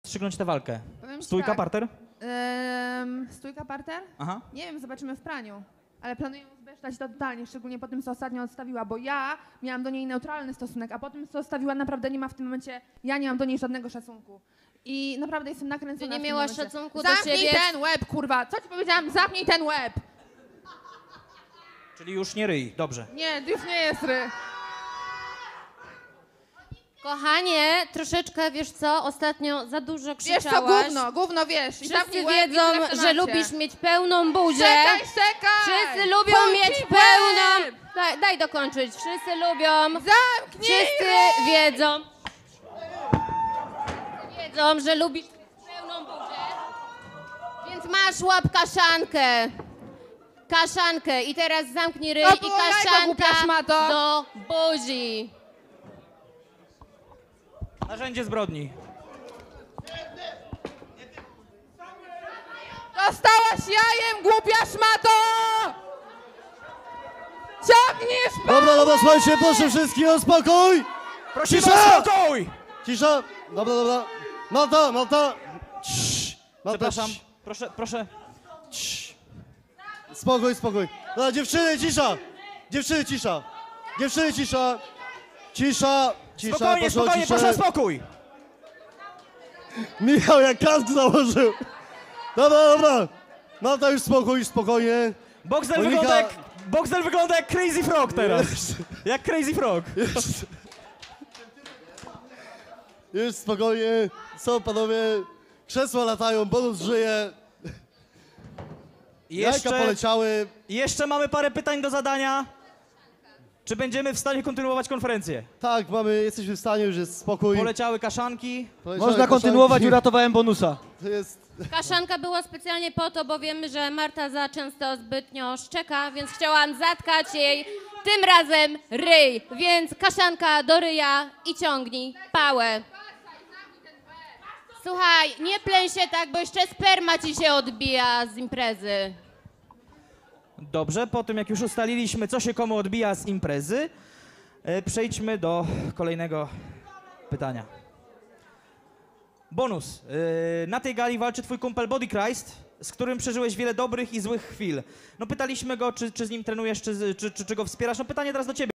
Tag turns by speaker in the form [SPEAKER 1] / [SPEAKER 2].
[SPEAKER 1] strzygnąć tę walkę?
[SPEAKER 2] Powiem ci
[SPEAKER 1] Stójka,
[SPEAKER 2] tak.
[SPEAKER 1] parter?
[SPEAKER 2] Stójka, parter?
[SPEAKER 1] Aha.
[SPEAKER 2] Nie wiem, zobaczymy w praniu. Ale planuję zbesztać to totalnie, szczególnie po tym, co ostatnio odstawiła, bo ja miałam do niej neutralny stosunek, a po tym, co odstawiła, naprawdę nie ma w tym momencie, ja nie mam do niej żadnego szacunku. I naprawdę jestem nakręcona.
[SPEAKER 3] Ty nie
[SPEAKER 2] w tym
[SPEAKER 3] miałaś
[SPEAKER 2] momencie.
[SPEAKER 3] szacunku do
[SPEAKER 2] Zamknij
[SPEAKER 3] siebie?
[SPEAKER 2] ten łeb, kurwa! Co ci powiedziałam? Zamknij ten łeb!
[SPEAKER 1] Czyli już nie ryj, dobrze.
[SPEAKER 2] Nie, już nie jest ry.
[SPEAKER 3] Kochanie, troszeczkę, wiesz co, ostatnio za dużo
[SPEAKER 2] Wiesz
[SPEAKER 3] krzyczałaś.
[SPEAKER 2] co, gówno wiesz. I
[SPEAKER 3] Wszyscy
[SPEAKER 2] zamknij łeb i
[SPEAKER 3] wiedzą,
[SPEAKER 2] tyle w
[SPEAKER 3] że
[SPEAKER 2] temacie.
[SPEAKER 3] lubisz mieć pełną buzię.
[SPEAKER 2] Czekaj!
[SPEAKER 3] Wszyscy lubią
[SPEAKER 2] Zamknij
[SPEAKER 3] mieć
[SPEAKER 2] łeb!
[SPEAKER 3] pełną... Daj dokończyć. Wszyscy lubią...
[SPEAKER 2] Zamknij
[SPEAKER 3] Wszyscy
[SPEAKER 2] ryj!
[SPEAKER 3] wiedzą, że lubisz mieć pełną buzię. Więc masz łap kaszankę. Kaszankę. I teraz zamknij ryj
[SPEAKER 2] To
[SPEAKER 3] i
[SPEAKER 2] było jajko, głupia
[SPEAKER 3] kaszanka
[SPEAKER 2] szmato.
[SPEAKER 3] do buzi.
[SPEAKER 1] Narzędzie zbrodni.
[SPEAKER 2] Dostałaś jajem, głupia szmato! Ciągniesz
[SPEAKER 4] Dobra, słuchajcie, proszę wszystkich o spokój!
[SPEAKER 1] Prosimy
[SPEAKER 4] Cisza!
[SPEAKER 1] o spokój!
[SPEAKER 4] Cisza! Dobra. Malta! Cii. Malta,
[SPEAKER 1] Przepraszam,
[SPEAKER 4] cii.
[SPEAKER 1] proszę.
[SPEAKER 4] Cii. Spokój. Dobra, dziewczyny, cisza! Dziewczyny, cisza! Cisza,
[SPEAKER 1] Spokojnie, proszę o spokój!
[SPEAKER 4] Michał jak kask założył! Dobra. Malta, już spokojnie.
[SPEAKER 1] Boxdel wygląda jak Crazy Frog teraz. Jak Crazy Frog.
[SPEAKER 4] Już spokojnie. Co panowie? Krzesła latają, bonus żyje. Jajka poleciały.
[SPEAKER 1] Jeszcze mamy parę pytań do zadania. Czy będziemy w stanie kontynuować konferencję?
[SPEAKER 4] Tak, jesteśmy w stanie, już jest spokój.
[SPEAKER 1] Poleciały kaszanki.
[SPEAKER 5] Można kontynuować, uratowałem bonusa.
[SPEAKER 4] To jest...
[SPEAKER 3] Kaszanka była specjalnie po to, bo wiemy, że Marta za często zbytnio szczeka, więc chciałam zatkać jej tym razem ryj. Więc kaszanka do ryja i ciągnij pałę. Słuchaj, nie pleń się tak, bo jeszcze sperma ci się odbija z imprezy.
[SPEAKER 1] Dobrze, po tym jak już ustaliliśmy, co się komu odbija z imprezy, przejdźmy do kolejnego pytania. Bonus. Na tej gali walczy twój kumpel Body Christ, z którym przeżyłeś wiele dobrych i złych chwil. No pytaliśmy go, czy z nim trenujesz, czy go wspierasz. No pytanie teraz do ciebie.